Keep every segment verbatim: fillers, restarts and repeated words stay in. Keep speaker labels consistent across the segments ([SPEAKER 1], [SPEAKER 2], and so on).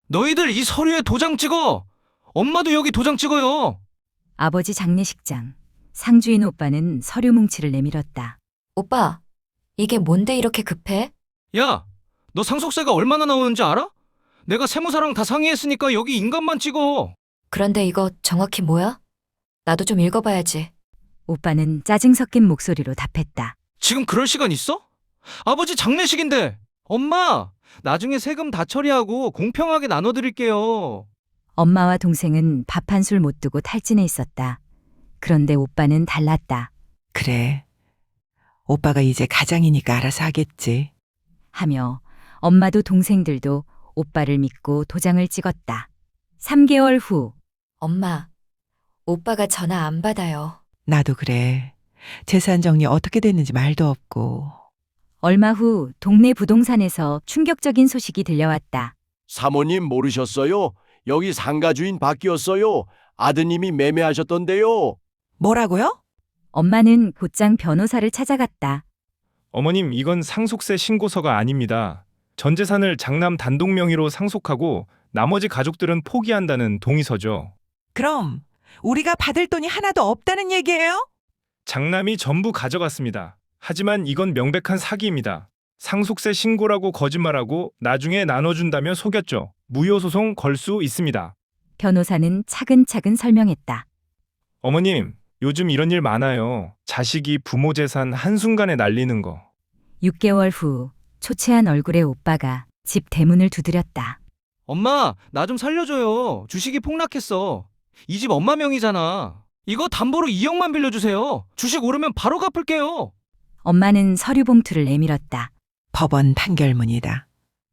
[SPEAKER 1] 너희들 이 서류에 도장 찍어! 엄마도 여기 도장 찍어요!
[SPEAKER 2] 아버지 장례식장. 상주인 오빠는 서류 뭉치를 내밀었다.
[SPEAKER 3] 오빠, 이게 뭔데 이렇게 급해?
[SPEAKER 1] 야, 너 상속세가 얼마나 나오는지 알아? 내가 세무사랑 다 상의했으니까 여기 인감만 찍어.
[SPEAKER 3] 그런데 이거 정확히 뭐야? 나도 좀 읽어봐야지.
[SPEAKER 2] 오빠는 짜증 섞인 목소리로 답했다.
[SPEAKER 1] 지금 그럴 시간 있어? 아버지 장례식인데! 엄마! 나중에 세금 다 처리하고 공평하게 나눠드릴게요.
[SPEAKER 2] 엄마와 동생은 밥 한 술 못 두고 탈진해 있었다. 그런데 오빠는 달랐다.
[SPEAKER 4] 그래. 오빠가 이제 가장이니까 알아서 하겠지.
[SPEAKER 2] 하며 엄마도 동생들도 오빠를 믿고 도장을 찍었다. 삼 개월 후
[SPEAKER 3] 엄마, 오빠가 전화 안 받아요.
[SPEAKER 4] 나도 그래. 재산 정리 어떻게 됐는지 말도 없고.
[SPEAKER 2] 얼마 후 동네 부동산에서 충격적인 소식이 들려왔다.
[SPEAKER 5] 사모님 모르셨어요? 여기 상가 주인 바뀌었어요. 아드님이 매매하셨던데요.
[SPEAKER 4] 뭐라고요?
[SPEAKER 2] 엄마는 곧장 변호사를 찾아갔다.
[SPEAKER 6] 어머님, 이건 상속세 신고서가 아닙니다. 전 재산을 장남 단독 명의로 상속하고 나머지 가족들은 포기한다는 동의서죠.
[SPEAKER 4] 그럼 우리가 받을 돈이 하나도 없다는 얘기예요?
[SPEAKER 6] 장남이 전부 가져갔습니다. 하지만 이건 명백한 사기입니다. 상속세 신고라고 거짓말하고 나중에 나눠준다며 속였죠. 무효소송 걸 수 있습니다.
[SPEAKER 2] 변호사는 차근차근 설명했다.
[SPEAKER 6] 어머님, 요즘 이런 일 많아요. 자식이 부모 재산 한순간에 날리는 거.
[SPEAKER 2] 육 개월 후 초췌한 얼굴의 오빠가 집 대문을 두드렸다.
[SPEAKER 1] 엄마, 나 좀 살려줘요. 주식이 폭락했어. 이 집 엄마 명의잖아. 이거 담보로 이억만 빌려주세요. 주식 오르면 바로 갚을게요.
[SPEAKER 2] 엄마는 서류 봉투를 내밀었다.
[SPEAKER 4] 법원 판결문이다.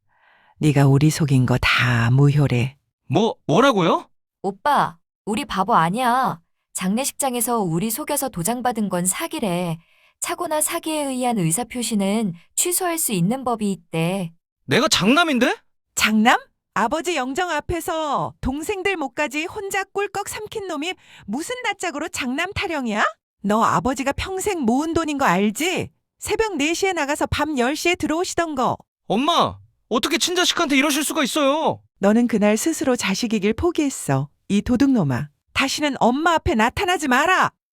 [SPEAKER 4] 네가 우리 속인 거 다 무효래.
[SPEAKER 1] 뭐, 뭐라고요?
[SPEAKER 3] 오빠, 우리 바보 아니야. 장례식장에서 우리 속여서 도장 받은 건 사기래. 착오나 사기에 의한 의사표시는 취소할 수 있는 법이 있대.
[SPEAKER 1] 내가 장남인데?
[SPEAKER 4] 장남? 아버지 영정 앞에서 동생들 목까지 혼자 꿀꺽 삼킨 놈이 무슨 낯짝으로 장남 타령이야? 너 아버지가 평생 모은 돈인 거 알지? 새벽 네 시에 나가서 밤 열 시에 들어오시던 거.
[SPEAKER 1] 엄마, 어떻게 친자식한테 이러실 수가 있어요?
[SPEAKER 4] 너는 그날 스스로 자식이길 포기했어. 이 도둑놈아. 다시는 엄마 앞에 나타나지 마라.